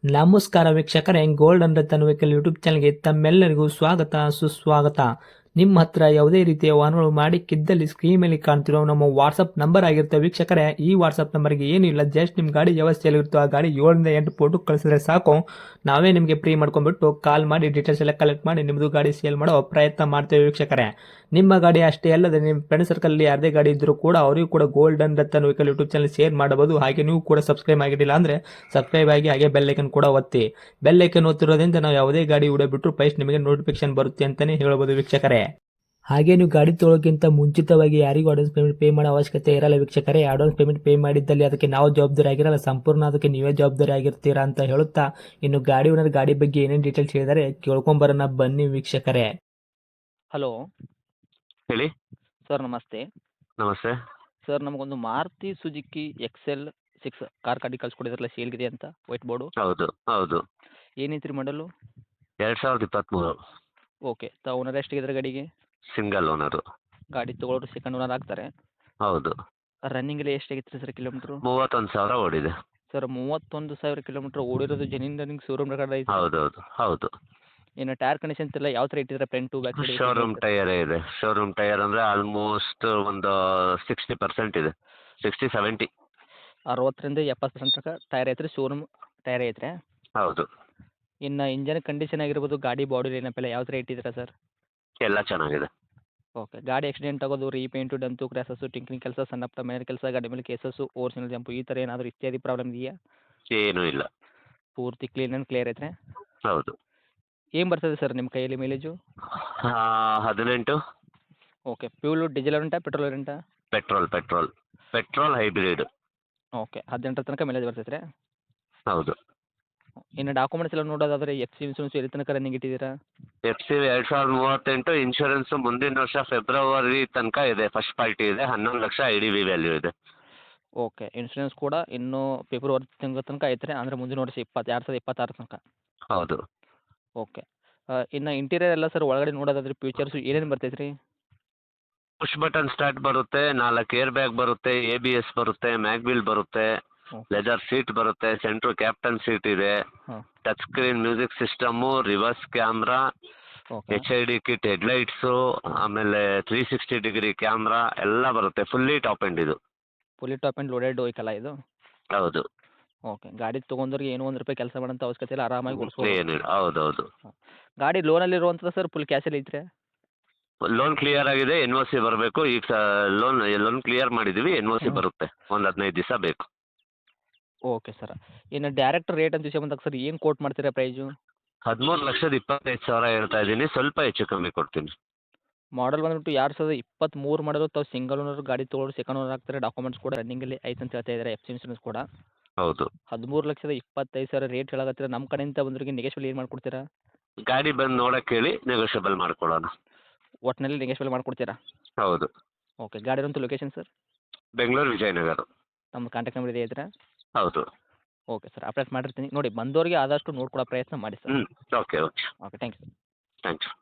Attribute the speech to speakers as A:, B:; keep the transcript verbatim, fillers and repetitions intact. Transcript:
A: ನಮಸ್ಕಾರ ವೀಕ್ಷಕರೇ, golden Ratan vehicle YouTube ಚಾನಲ್ಗೆ ತಮ್ಮೆಲ್ಲರಿಗೂ ಸ್ವಾಗತ ಸುಸ್ವಾಗತ. ನಿಮ್ಮ ಹತ್ರ ಯಾವುದೇ ರೀತಿಯ ವಾಹನಗಳು ಮಾಡಿಕ್ಕಿದ್ದಲ್ಲಿ ಸ್ಕ್ರೀನ್ ಮೇಲೆ ಕಾಣ್ತಿರೋ ನಮ್ಮ ವಾಟ್ಸಪ್ ನಂಬರ್ ಆಗಿರುತ್ತೆ ವೀಕ್ಷಕರೇ. ಈ ವಾಟ್ಸಪ್ ನಂಬರ್ಗೆ ಏನಿಲ್ಲ, ಜಸ್ಟ್ ನಿಮ್ಮ ಗಾಡಿ ವ್ಯವಸ್ಥೆಯಲ್ಲಿರುತ್ತೋ ಆ ಗಾಡಿ ಏಳರಿಂದ ಎಂಟು ಫೋಟೋ ಕಳಿಸಿದ್ರೆ ಸಾಕು, ನಾವೇ ನಿಮಗೆ ಫ್ರೀ ಮಾಡ್ಕೊಂಡ್ಬಿಟ್ಟು ಕಾಲ್ ಮಾಡಿ ಡೀಟೇಲ್ಸ್ ಎಲ್ಲ ಕಲೆಕ್ಟ್ ಮಾಡಿ ನಿಮ್ಮದು ಗಾಡಿ ಸೇಲ್ ಮಾಡೋ ಪ್ರಯತ್ನ ಮಾಡ್ತೇವೆ ವೀಕ್ಷಕರೇ. ನಿಮ್ಮ ಗಾಡಿ ಅಷ್ಟೇ ಅಲ್ಲದೆ ನಿಮ್ಮ ಫ್ರೆಂಡ್ ಸರ್ಕಲಲ್ಲಿ ಯಾರದೇ ಗಾಡಿ ಇದ್ದರೂ ಕೂಡ ಅವರಿಗೂ ಕೂಡ golden Ratan vehicle YouTube channel share ಮಾಡಬಹುದು. ಹಾಗೆ ನೀವು ಕೂಡ ಸಬ್ಸ್ಕ್ರೈಬ್ ಆಗಿರಲಿಲ್ಲ ಅಂದರೆ ಸಬ್ಸ್ಕ್ರೈಬ್ ಆಗಿ ಹಾಗೆ ಬೆಲ್ ಐಕನ್ ಕೂಡ ಒತ್ತಿ. ಬೆಲ್ ಐಕನ್ ಒತ್ತಿರೋದ್ರಿಂದ ನಾವು ಯಾವುದೇ ಗಾಡಿ ವಿಡಿಯೋ ಬಿಟ್ಟರು ಫಸ್ಟ್ ನಿಮಗೆ ನೋಟಿಫಿಕೇಶನ್ ಬರುತ್ತೆ ಅಂತಲೇ ಹೇಳ್ಬೋದು ವೀಕ್ಷಕರೇ. ಹಾಗೆ ನೀವು ಗಾಡಿ ತೊಳೋಕ್ಕಿಂತ ಮುಂಚಿತವಾಗಿ ಯಾರಿಗೂ ಅಡ್ವಾನ್ಸ್ ಪೇಮೆಂಟ್ ಪೇ ಮಾಡೋ ಅವಶ್ಯಕತೆ ಇರಲ್ಲ ವೀಕ್ಷಕರೇ. ಅಡ್ವಾನ್ಸ್ ಪೇಮೆಂಟ್ ಪೇ ಮಾಡಿದ್ದಲ್ಲಿ ಅದಕ್ಕೆ ನಾವು ಜವಾಬ್ದಾರಿ ಆಗಿರಲ್ಲ, ಸಂಪೂರ್ಣ ಅದಕ್ಕೆ ನೀವೇ ಜವಾಬ್ದಾರಿ ಆಗಿರ್ತೀರಾ ಅಂತ ಹೇಳುತ್ತಾ, ಇನ್ನು ಗಾಡಿ ಓನರ್ ಗಾಡಿ ಬಗ್ಗೆ ಏನೇನು ಡೀಟೇಲ್ಸ್ ಹೇಳಿದರೆ ಕೇಳ್ಕೊಂಬರೋಣ ಬನ್ನಿ ವೀಕ್ಷಕರೇ.
B: ಹಲೋ
C: ಹೇಳಿ.
B: ಸರ್, ನಮಸ್ತೆ.
C: ನಮಸ್ತೆ.
B: ಸರ್, ನಮಗೊಂದು Maruti Suzuki XL six car ಗಾಡಿ ಕಳ್ಸ್ಕೊಡಿದ್ರಲ್ಲ, ಸೇಲ್ಗಿದೆ ಅಂತ ವೈಟ್ ಬೋರ್ಡು.
C: ಹೌದು ಹೌದು
B: ಏನೈತ್ರಿ ಮಾಡಲು?
C: ಎರಡು ಸಾವಿರದ ಇಪ್ಪತ್ತ್ಮೂರು.
B: ಓಕೆ. ತ ಓನರ್ ಎಷ್ಟಿದ್ರೆ ಗಾಡಿಗೆ?
C: Single owner.
B: ಗಾಡಿ ತೊಗೊಳೋರು ಸೆಕೆಂಡ್ ಓನರ್ ಆಗ್ತಾರೆ.
C: ಹೌದು.
B: ರನ್ನಿಂಗ್ ಎಲ್ಲ ಎಷ್ಟಾಗಿತ್ತು ಸರ್ ಕಿಲೋಮೀಟ್ರು?
C: ಮೂವತ್ತೊಂದು ಸಾವಿರ ಓಡಿದೆ.
B: ಸರ್, ಮೂವತ್ತೊಂದು ಸಾವಿರ ಕಿಲೋಮೀಟ್ರ್ ಓಡಿರೋದು ಜೆನ್ಯೂನ್ ರನ್ನಿಂಗ್ ಶೋರೂಮ್ ರೆಕಾರ್ಡ್ ಐತೆ.
C: ಹೌದು ಹೌದು ಹೌದು.
B: ಇನ್ನು ಟೈರ್ ಕಂಡೀಷನ್ಸ್ ಎಲ್ಲ ಯಾವ ಥರ ಇಟ್ಟಿದ್ರೆ? Front back side?
C: ಶೋರೂಮ್ ಟೈಯರೇ ಇದೆ. ಶೋರೂಮ್ ಟೈಯರ್ ಅಂದರೆ ಆಲ್ಮೋಸ್ಟ್ ಒಂದು ಸಿಕ್ಸ್ಟಿ ಪರ್ಸೆಂಟ್ ಇದೆ, ಸಿಕ್ಸ್ಟಿ ಸೆವೆಂಟಿ.
B: ಅರವತ್ತರಿಂದ ಎಪ್ಪತ್ತು ಪರ್ಸೆಂಟ್ ತನಕ ಟೈರ್ ಐತ್ರಿ, ಶೋರೂಮ್ ಟೈರ್ ಐತ್ರಿ.
C: ಹೌದು.
B: ಇನ್ನು ಇಂಜನ್ ಕಂಡೀಷನ್ ಆಗಿರ್ಬೋದು, ಗಾಡಿ ಬಾಡಿ ಲೈನಪ್ಪೆಲ್ಲ ಯಾವ ಥರ ಇಟ್ಟಿದ್ದೀರಾ ಸರ್?
C: ಎಲ್ಲ ಚೆನ್ನಾಗಿದೆ.
B: ಓಕೆ. ಗಾಡಿ ಆಕ್ಸಿಡೆಂಟ್ ಆಗೋದು, ರೀಪೇಂಟು, ಡಂತು, ಕ್ರ್ಯಾಸಸ್ಸು, ಟಿಂಕ್ರಿಂಗ್ ಕೆಲಸ, ಸಣ್ಣ ಪುಟ್ಟ ಮನೆ ಕೆಲಸ, ಗಾಡಿ ಮೇಲೆ ಕೇಸಸ್ಸು, ಓರಿಜಿನಲ್ ಜಂಪು, ಈ ಥರ ಏನಾದರೂ ಇತ್ಯಾದಿ ಪ್ರಾಬ್ಲಮ್ ಇದೆಯಾ?
C: ಏನೂ ಇಲ್ಲ.
B: ಪೂರ್ತಿ ಕ್ಲೀನ್ ಆ್ಯಂಡ್ ಕ್ಲಿಯರ್ ಐತ್ರಿ?
C: ಹೌದು.
B: ಏನು ಬರ್ತದೆ ಸರ್ ನಿಮ್ಮ ಕೈಯಲ್ಲಿ ಮೈಲೇಜು?
C: ಆ, ಹದಿನೆಂಟು.
B: ಓಕೆ. ಫ್ಯೂಲು ಡೀಸೆಲ್ ಉಂಟಾ, ಪೆಟ್ರೋಲ್ ಉಂಟಾ?
C: Petrol petrol petrol hybrid.
B: Okay. ಹದಿನೆಂಟರ ತನಕ ಮೈಲೇಜ್ ಬರ್ತೈತೆ ರೀ?
C: ಹೌದು.
B: ಇನ್ನು ಡಾಕ್ಯುಮೆಂಟ್ಸ್ ಎಲ್ಲ ನೋಡೋದಾದರೆ ಎಫ್ ಸಿ ಇನ್ಸೂರೆನ್ಸ್ ಎಲ್ಲಿ ತನಕ ರನ್ನಿಂಗ್ ಇಟ್ಟಿದ್ದೀರಾ?
C: ಎಫ್ ಸಿ ಎರಡು ಸಾವಿರದ ಮೂವತ್ತೆಂಟು. ಇನ್ಶೂರೆನ್ಸು ಮುಂದಿನ ವರ್ಷ ಫೆಬ್ರವರಿ ತನಕ ಇದೆ. ಫಸ್ಟ್ ಪಾರ್ಟಿ ಇದೆ. ಹನ್ನೊಂದು lakh I D V value ಇದೆ.
B: ಓಕೆ. ಇನ್ಸೂರೆನ್ಸ್ ಕೂಡ ಇನ್ನೂ ಫೆಬ್ರವರಿ ತಿಂಗಳ ತನಕ ಐತ್ರಿ, ಅಂದರೆ ಮುಂದಿನ ವರ್ಷ ಇಪ್ಪತ್ತು ಎರಡು ಸಾವಿರದ ಇಪ್ಪತ್ತಾರು ತನಕ?
C: ಹೌದು.
B: ಓಕೆ. ಇನ್ನು ಇಂಟೀರಿಯರ್ ಎಲ್ಲ ಸರ್ ಒಳಗಡೆ ನೋಡೋದಾದ್ರೆ ಫ್ಯೂಚರ್ಸು ಏನೇನು ಬರ್ತೈತೆ ರೀ?
C: ಪುಷ್ ಬಟನ್ ಸ್ಟಾರ್ಟ್ ಬರುತ್ತೆ, ನಾಲ್ಕು ಏರ್ ಬ್ಯಾಗ್ ಬರುತ್ತೆ, ಎ ಬಿ ಎಸ್ ಬರುತ್ತೆ, ಮ್ಯಾಗ್ವಿಲ್ ಬರುತ್ತೆ, ಲೆದರ್ ಸೀಟ್ ಬರುತ್ತೆ, ಸೆಂಟ್ರು ಕ್ಯಾಪ್ಟನ್ ಸೀಟ್ ಇದೆ,
B: ಹಾಂ.
C: Touch screen music system, reverse camera,
B: okay.
C: H I D kit, headlights, ಆಮೇಲೆ ತ್ರೀ ಸಿಕ್ಸ್ಟಿ ಡಿಗ್ರಿ ಕ್ಯಾಮ್ರಾ ಎಲ್ಲ ಬರುತ್ತೆ. ಫುಲ್ಲಿ ಟಾಪ್ ಎಂಡ್ ಇದು.
B: ಫುಲ್ಲಿ ಟಾಪ್ ಆ್ಯಂಡ್ ಲೋಡೆಡ್ ವೆಹಿಕಲ್ಲ ಇದು?
C: ಹೌದು.
B: ಓಕೆ. ಗಾಡಿ ತೊಗೊಂಡ್ರಿಗೆ ಏನೋ ಒಂದು ರೂಪಾಯಿ ಕೆಲಸ ಮಾಡೋಂಥ ಅವಶ್ಯಕತೆ ಇಲ್ಲ, ಆರಾಮಾಗಿ ಓಡಿಸ್ಬೋದು.
C: ಏನಿಲ್ಲ. ಹೌದು ಹೌದು.
B: ಗಾಡಿ ಲೋನಲ್ಲಿ ಇರುವಂಥದ್ದು ಸರ್, ಫುಲ್ ಕ್ಯಾಶಲ್ಲಿ ಐತ್ರಿ?
C: ಲೋನ್ ಕ್ಲಿಯರ್ ಆಗಿದೆ, ಎನ್ ಒ ಸಿ ಬರಬೇಕು. ಈಗ ಲೋನ್ ಲೋನ್ ಕ್ಲಿಯರ್ ಮಾಡಿದ್ದೀವಿ, ಎನ್ ಒ ಸಿ
B: ಹ್ಮ್.
C: ಬರುತ್ತೆ. ಒಂದು ಹದಿನೈದು ದಿವಸ ಬೇಕು.
B: Okay sir. ಇನ್ನು ಡೈರೆಕ್ಟ್ ರೇಟ್ ಅಂತ ವಿಷಯ ಬಂದಾಗ ಸರ್, ಏನು ಕೋಟ್ ಮಾಡ್ತೀರಾ ಪ್ರೈಸು?
C: ಹದಿಮೂರು ಲಕ್ಷದ ಇಪ್ಪತ್ತೈದು ಸಾವಿರ ಹೇಳ್ತಾ ಇದ್ದೀನಿ, ಸ್ವಲ್ಪ ಹೆಚ್ಚು ಕಮ್ಮಿ ಕೊಡ್ತೀನಿ.
B: ಮಾಡಲ್ ಬಂದ್ಬಿಟ್ಟು ಎರಡು ಸಾವಿರದ ಇಪ್ಪತ್ತ್ಮೂರು ಮಾಡಲು ತಾವು ಸಿಂಗಲ್ ಓನರ್ ಗಾಡಿ ತೊಗೊಳ್ಳೋರು ಸೆಕೆಂಡ್ ಓನರ್ ಆಗ್ತಾರೆ. ಡಾಕ್ಯುಮೆಂಟ್ಸ್ ಕೂಡ ರನ್ನಿಂಗಲ್ಲಿ ಐತೆ ಅಂತ ಹೇಳ್ತಾ ಇದ್ದಾರೆ, ಎಫ್ ಸಿ ಇನ್ಸೂರೆನ್ಸ್ ಕೂಡ.
C: ಹೌದು.
B: ಹದಿಮೂರು ಲಕ್ಷದ ಇಪ್ಪತ್ತೈದು ಸಾವಿರ ರೇಟ್ ಹೇಳಕತ್ತೀರ. ನಮ್ಮ ಕಡೆಯಿಂದ ಬಂದವರಿಗೆ ನೆಗೆಶ್ವಲ್ ಏನು ಮಾಡ್ಕೊಡ್ತೀರಾ?
C: ಗಾಡಿ ಬಂದು ನೋಡಕ್ಕೆ ಹೇಳಿ, ನೆಗೋಷಿಯಬಲ್ ಮಾಡ್ಕೊಡೋಣ.
B: ಒಟ್ಟಿನಲ್ಲಿ ನೆಗೆಶ್ವಲ್ ಮಾಡ್ಕೊಡ್ತೀರಾ?
C: ಹೌದು.
B: ಓಕೆ. ಗಾಡಿ ಇರೋಂಥ ಲೊಕೇಶನ್ ಸರ್?
C: ಬೆಂಗಳೂರು ವಿಜಯನಗರ.
B: ನಮ್ಮ ಕಾಂಟ್ಯಾಕ್ಟ್ ನಂಬರ್ ಇದೆ ಇದ್ರಾ?
C: ಹೌದು.
B: ಓಕೆ ಸರ್, ಅಪ್ಡೇಟ್ ಮಾಡಿರ್ತೀನಿ ನೋಡಿ. ಬಂದವರಿಗೆ ಆದಷ್ಟು ನೋಡ್ಕೊಡೋ ಪ್ರಯತ್ನ ಮಾಡಿ ಸರ್.
C: ಹ್ಞೂ. Okay okay
B: okay. Thank you sir.
C: Thank you.